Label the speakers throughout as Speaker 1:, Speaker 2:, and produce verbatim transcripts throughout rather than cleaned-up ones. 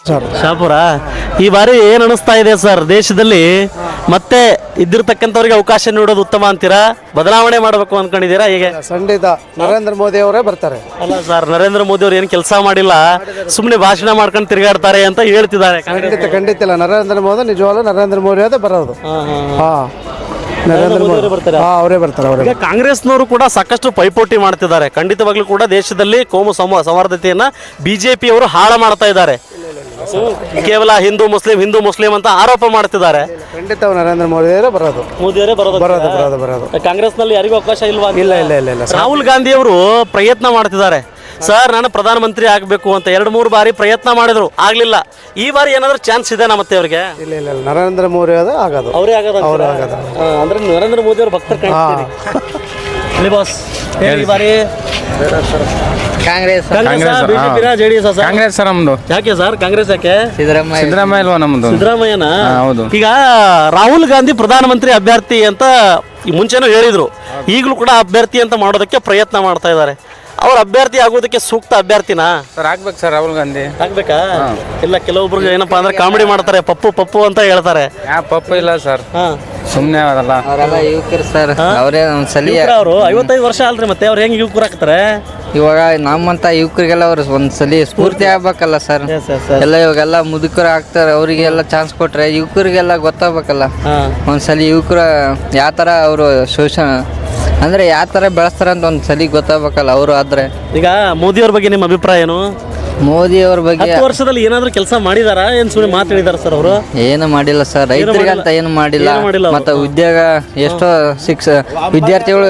Speaker 1: ಶಾಪುರ ಈ ಬಾರಿ ಏನ್ ಅನಿಸ್ತಾ ಇದೆ ಸರ್, ದೇಶದಲ್ಲಿ ಮತ್ತೆ ಇದ್ದಿರ್ತಕ್ಕಂಥವ್ರಿಗೆ ಅವಕಾಶ ನೀಡೋದು ಉತ್ತಮ ಅಂತೀರಾ, ಬದಲಾವಣೆ ಮಾಡಬೇಕು ಅನ್ಕೊಂಡಿದ್ದೀರಾ? ಹೇಗೆ?
Speaker 2: ಖಂಡಿತ ನರೇಂದ್ರ ಮೋದಿ ಅವರೇ ಬರ್ತಾರೆ.
Speaker 1: ಅಲ್ಲ ಸರ್, ನರೇಂದ್ರ ಮೋದಿ ಅವ್ರು ಏನು ಕೆಲಸ ಮಾಡಿಲ್ಲ, ಸುಮ್ಮನೆ ಭಾಷಣ ಮಾಡ್ಕೊಂಡು ತಿರುಗಾಡ್ತಾರೆ ಅಂತ ಹೇಳ್ತಿದ್ದಾರೆ.
Speaker 2: ಖಂಡಿತ ಖಂಡಿತ ಇಲ್ಲ, ನರೇಂದ್ರ ಮೋದಿ ನಿಜವಾಗ್ಲೂ ನರೇಂದ್ರ ಮೋದಿ ಅವರೇ ಬರೋದು. ಹಾ ನರೇಂದ್ರ ಮೋದಿ ಬರ್ತಾರೆ, ಅವರೇ ಬರ್ತಾರೆ ಅವರೇ.
Speaker 1: ಈಗ ಕಾಂಗ್ರೆಸ್ನವರು ಕೂಡ ಸಾಕಷ್ಟು ಪೈಪೋಟಿ ಮಾಡ್ತಿದ್ದಾರೆ. ಖಂಡಿತವಾಗ್ಲೂ ಕೂಡ ದೇಶದಲ್ಲಿ ಕೋಮು ಸಮ ಸೌಹಾರ್ದತೆಯನ್ನ ಬಿಜೆಪಿ ಅವರು ಹಾಳು ಮಾಡ್ತಾ ಇದ್ದಾರೆ. ಕೇವಲ ಹಿಂದೂ ಮುಸ್ಲಿಂ ಹಿಂದೂ ಮುಸ್ಲಿಂ ಅಂತ ಆರೋಪ ಮಾಡ್ತಿದ್ದಾರೆ.
Speaker 2: ಖಂಡಿತ ನರೇಂದ್ರ ಮೋದಿ ಅವರೇ ಬರೋದು.
Speaker 1: ಮೋದಿಯವರೇ ಬರೋದು
Speaker 2: ಬರೋದು ಬರೋದು ಬರೋದು
Speaker 1: ಕಾಂಗ್ರೆಸ್ ನಲ್ಲಿ ಯಾರಿಗೂ ಅವಕಾಶ ಇಲ್ವಾ?
Speaker 2: ಇಲ್ಲ ಇಲ್ಲ ಇಲ್ಲ ಇಲ್ಲ.
Speaker 1: ರಾಹುಲ್ ಗಾಂಧಿ ಅವರು ಪ್ರಯತ್ನ ಮಾಡ್ತಿದ್ದಾರೆ, ಸರ್ ನಾನು ಪ್ರಧಾನಮಂತ್ರಿ ಆಗಬೇಕು ಅಂತ ಎರಡು ಮೂರು ಬಾರಿ ಪ್ರಯತ್ನ ಮಾಡಿದ್ರು, ಆಗ್ಲಿಲ್ಲ. ಈ ಬಾರಿ ಏನಾದ್ರೂ ಚಾನ್ಸ್ ಇದೆ ಮತ್ತೆ ಅವ್ರಿಗೆ?
Speaker 2: ಇಲ್ಲ ಇಲ್ಲ ಇಲ್ಲ, ನರೇಂದ್ರ ಮೋದಿ ಅವರೇ ಆಗೋದು.
Speaker 1: ಅವರೇ ಆಗೋದು
Speaker 2: ಅವರೇ ಆಗೋದು.
Speaker 1: ಅಂದ್ರೆ ನರೇಂದ್ರ ಮೋದಿ ಅವ್ರ ಭಕ್ತರು ಕಾಣ್ತೀರಿ. ಬಾಸ್ ಹೇಳಿ, ಈ ಬಾರಿ
Speaker 3: ಕಾಂಗ್ರೆಸ್
Speaker 1: ಜೆಡಿಎಸ್
Speaker 4: ಕಾಂಗ್ರೆಸ್ ಸರ್ ನಮ್ದು.
Speaker 1: ಯಾಕೆ ಸರ್ ಕಾಂಗ್ರೆಸ್ ಯಾಕೆ?
Speaker 3: ಸಿದ್ದರಾಮಯ್ಯ
Speaker 4: ಸಿದ್ದರಾಮಯ್ಯ ಅಲ್ವಾ ನಮ್ದು?
Speaker 1: ಸಿದ್ದರಾಮಯ್ಯನ
Speaker 4: ಹೌದು.
Speaker 1: ಈಗ ರಾಹುಲ್ ಗಾಂಧಿ ಪ್ರಧಾನಮಂತ್ರಿ ಅಭ್ಯರ್ಥಿ ಅಂತ ಈ ಮುಂಚೆನೂ ಹೇಳಿದ್ರು, ಈಗಲೂ ಕೂಡ ಅಭ್ಯರ್ಥಿ ಅಂತ ಮಾಡೋದಕ್ಕೆ ಪ್ರಯತ್ನ ಮಾಡ್ತಾ ಇದ್ದಾರೆ. ಅವ್ರ ಅಭ್ಯರ್ಥಿ ಆಗೋದಕ್ಕೆ ಸೂಕ್ತ ಅಭ್ಯರ್ಥಿನಾ
Speaker 4: ಸರ್? ಆಗ್ಬೇಕು ಸರ್ ರಾಹುಲ್ ಗಾಂಧಿ.
Speaker 1: ಆಗ್ಬೇಕಾ? ಇಲ್ಲ, ಕೆಲವೊಬ್ರು ಏನಪ್ಪಾ ಅಂದ್ರೆ ಕಾಮಿಡಿ ಮಾಡ್ತಾರೆ, ಪಪ್ಪು ಪಪ್ಪು ಅಂತ ಹೇಳ್ತಾರೆ.
Speaker 4: ಯಾ ಪಪ್ಪ ಇಲ್ಲ ಸರ್,
Speaker 1: ಹಾ
Speaker 4: ಸುಮ್ಮನೆ ಅವರಲ್ಲ.
Speaker 3: ಅವರೆಲ್ಲ ಯುವಕರು ಸರ್, ಅವರೇ ಒಂದ್ಸಲಿ
Speaker 1: ಅವರು ಐವತ್ತೈದು ವರ್ಷ ಅಲ್ರಿ, ಮತ್ತೆ ಅವ್ರು ಹೆಂಗ್ ಯುವಕರು ಆಗ್ತಾರೆ?
Speaker 3: ಇವಾಗ ನಮ್ಮಂತ ಯುವಕರಿಗೆಲ್ಲ ಅವ್ರು ಒಂದ್ಸಲಿ ಸ್ಫೂರ್ತಿ ಆಗ್ಬೇಕಲ್ಲ ಸರ್. ಎಲ್ಲ ಇವಾಗೆಲ್ಲ ಮುದುಕರು ಆಗ್ತಾರೆ, ಅವರಿಗೆಲ್ಲ ಚಾನ್ಸ್ ಕೊಟ್ರೆ ಯುವಕರಿಗೆಲ್ಲ ಗೊತ್ತಾಗ್ಬೇಕಲ್ಲ. ಒಂದ್ಸಲಿ ಯುವಕರ ಯಾವ ಥರ ಅವರು ಶೋಷಣ ಅಂದ್ರೆ ಯಾವ ಥರ ಬೆಳೆಸ್ತಾರೆ ಅಂತ ಒಂದ್ಸಲಿ ಗೊತ್ತಾಗ್ಬೇಕಲ್ಲ ಅವರು. ಆದ್ರೆ
Speaker 1: ಈಗ ಮೋದಿ ಅವ್ರ ಬಗ್ಗೆ ನಿಮ್ಮ ಅಭಿಪ್ರಾಯ ಏನು?
Speaker 3: ಮೋದಿ ಅವ್ರ ಬಗ್ಗೆ
Speaker 1: ಹತ್ತು ವರ್ಷದಲ್ಲಿ ಏನಾದ್ರೂ ಕೆಲಸ ಮಾಡಿದಾರ? ಏನ್ ಸುಮ್ಮನೆ ಮಾತಾಡಿದಾರ ಸರ್ ಅವರು?
Speaker 3: ಏನು ಮಾಡಿಲ್ಲ ಸರ್, ರೈತರಿಗಂತ ಏನು ಮಾಡಿಲ್ಲ. ಮತ್ತೆ ಉದ್ಯೋಗ ಎಷ್ಟೋ ಶಿಕ್ಷ ವಿದ್ಯಾರ್ಥಿಗಳು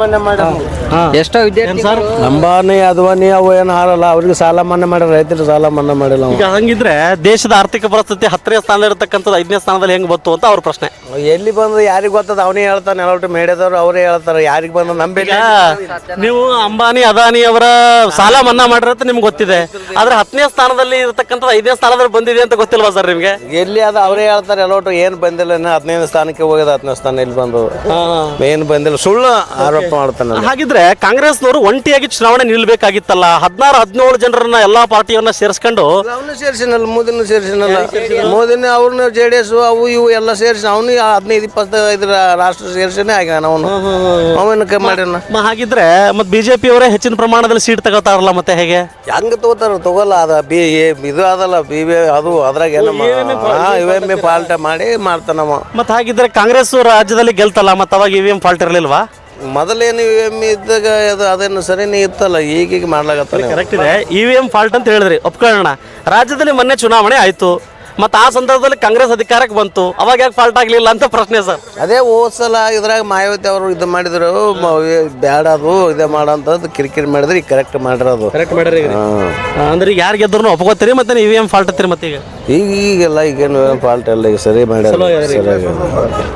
Speaker 3: ಎಷ್ಟೋ ವಿದ್ಯಾರ್ಥಿಗಳು
Speaker 2: ಅಂಬಾನಿ ಅದ್ವಾನಿ ಅವು ಏನು ಹಾರಲ್ಲ, ಅವ್ರಿಗೆ ಸಾಲ ಮನ್ನಾ ಮಾಡ್ಯಾರ, ರೈತರು ಸಾಲ ಮನ್ನಾ ಮಾಡಿಲ್ಲ.
Speaker 1: ಈಗ ಹಂಗಿದ್ರೆ ದೇಶದ ಆರ್ಥಿಕ ಪರಿಸ್ಥಿತಿ ಹತ್ತನೇ ಸ್ಥಾನದಲ್ಲಿ ಇರತಕ್ಕಂಥದ್ದು ಐದನೇ ಸ್ಥಾನದಲ್ಲಿ ಹೆಂಗ್ ಬಂತು ಅಂತ ಅವ್ರ ಪ್ರಶ್ನೆ.
Speaker 2: ಎಲ್ಲಿ ಬಂದು ಯಾರಿಗೆ ಗೊತ್ತದ, ಅವನೇ ಹೇಳ್ತಾನೆ, ಎಲ್ಲರೂ ಮೇಡಿದವ್ರು ಅವರೇ ಹೇಳ್ತಾರೆ. ಯಾರಿಗೆ ಬಂದು ನಂಬಿಲ್ಲ.
Speaker 1: ನೀವು ಅಂಬಾನಿ ಅದಾನಿ ಅವರ ಸಾಲ ಮನ್ನಾ ಮಾಡಿರತ್ತೆ ನಿಮ್ಗೆ ಗೊತ್ತಿದೆ, ಆದ್ರೆ ಹತ್ತನೇ ಸ್ಥಾನದಲ್ಲಿ ಇರತಕ್ಕಂಥದ್ದು ಐದನೇ ಸ್ಥಾನದಲ್ಲಿ ಬಂದಿದೆ ಅಂತ ಗೊತ್ತಿಲ್ವಾ ಸರ್ ನಿಮ್ಗೆ?
Speaker 2: ಎಲ್ಲಿ ಅದ ಅವರೇ ಹೇಳ್ತಾರೆ, ಎಲ್ಲೋಟು ಏನು ಬಂದಿಲ್ಲ, ಹದಿನೈದು ಸ್ಥಾನಕ್ಕೆ ಹೋಗಿದೆ, ಹತ್ತನೇ ಸ್ಥಾನ ಇಲ್ಲಿ ಬಂದು ಏನು ಬಂದಿಲ್ಲ, ಸುಳ್ಳು ಆರೋಪ ಮಾಡ್ತಾನೆ.
Speaker 1: ಹಾಗಿದ್ರೆ ಕಾಂಗ್ರೆಸ್ನವರು ಒಂಟಿಯಾಗಿ ಚುನಾವಣೆ ನಿಲ್ಬೇಕಾಗಿತ್ತಲ್ಲ, ಹದಿನಾರು ಹದಿನೇಳು ಜನರನ್ನ ಎಲ್ಲಾ ಪಾರ್ಟಿಯನ್ನ ಸೇರಿಸ್ಕೊಂಡು.
Speaker 2: ಅವನು ಸೇರಿಸಿನಲ್ಲ, ಮೋದಿನೂ ಸೇರಿಸಿನಲ್ಲ, ಮೋದಿನ ಅವ್ರನ್ನ ಜೆ ಡಿ ಎಸ್ ಅವು ಇವು ಎಲ್ಲ ಸೇರಿಸಿ ಅವನು ಹದಿನೈದು ಇಪ್ಪತ್ತೈದರ ರಾಷ್ಟ್ರ ಸೇರಿಸಿನೇ ಆಗ್ಯಾನ ಅವನು. ಅವನ ಮಾಡ್ಯಾನ.
Speaker 1: ಹಾಗಿದ್ರೆ ಮತ್ತೆ ಬಿಜೆಪಿ ಅವರೇ ಹೆಚ್ಚಿನ ಪ್ರಮಾಣದಲ್ಲಿ ಸೀಟ್ ತಗೋತಾರಲ್ಲ, ಮತ್ತೆ ಹೇಗೆ
Speaker 2: ಹೆಂಗ ತಗೋತಾರ? ತಗೋಲ್ಲ, ಅದ ಬಿ ಇದು ಅದಲ್ಲ ಬಿ ಬಿ ಅದು ಅದ್ರಾಗ ಏನೋ ಇ ಎಮ್ ಎ ಫಾಲ್ಟ್ ಮಾಡಿ ಮಾಡ್ತಾನವ.
Speaker 1: ಮತ್ತೆ ಹಾಗಿದ್ರೆ ಕಾಂಗ್ರೆಸ್ ರಾಜ್ಯದಲ್ಲಿ ಗೆಲ್ತಲ್ಲ, ಮತ್ತೆ ಅವಾಗ ಇ ವಿ ಎಂ ಫಾಲ್ಟ್ ಇರಲಿಲ್ವಾ?
Speaker 2: ಮೊದಲೇನು ಇ ವಿ ಎಮ್ ಇದ್ದಾಗ ಅದು ಅದೇನು ಸರಿನೇ ಇತ್ತಲ್ಲ, ಈಗೀಗ ಮಾಡ್ಲಾಗತ್ತಾನೆ.
Speaker 1: ಕರೆಕ್ಟ್ ಇದೆ, ಇ ವಿ ಎಂ ಫಾಲ್ಟ್ ಅಂತ ಹೇಳಿದ್ರಿ, ಒಪ್ಕೊಳ್ಳೋಣ. ರಾಜ್ಯದಲ್ಲಿ ಮೊನ್ನೆ ಚುನಾವಣೆ ಆಯ್ತು, ಮತ್ತು ಆ ಸಂದರ್ಭದಲ್ಲಿ ಕಾಂಗ್ರೆಸ್ ಅಧಿಕಾರಕ್ಕೆ ಬಂತು, ಅವಾಗ ಯಾಕೆ ಫಾಲ್ಟ್ ಆಗಲಿಲ್ಲ ಅಂತ ಪ್ರಶ್ನೆ ಸರ್.
Speaker 2: ಅದೇ ಹೋದ್ಸಲ ಇದ್ರಾಗ ಮಾಯಾವತಿ ಅವರು ಇದು ಮಾಡಿದ್ರು, ಬ್ಯಾಡ ಅದು ಇದೇ ಮಾಡೋಂಥದ್ದು ಕಿರಿಕಿರಿ ಮಾಡಿದ್ರೆ ಈಗ ಕರೆಕ್ಟ್ ಮಾಡಿರೋದು.
Speaker 1: ಕರೆಕ್ಟ್ ಮಾಡ್ರಿ. ಅಂದ್ರೆ ಈಗ ಯಾರು ಗೆದ್ರು ಒಪ್ಕೋತೀರಿ, ಮತ್ತೆ ಇ ವಿ ಎಂ ಫಾಲ್ಟ್ ಹತ್ತೀರಿ? ಮತ್ತೆ ಈಗ
Speaker 2: ಈಗ ಈಗೆಲ್ಲ ಈಗೇನು ಫಾಲ್ಟ್ ಎಲ್ಲ ಈಗ ಸರಿ ಮಾಡ್ಯಾರ.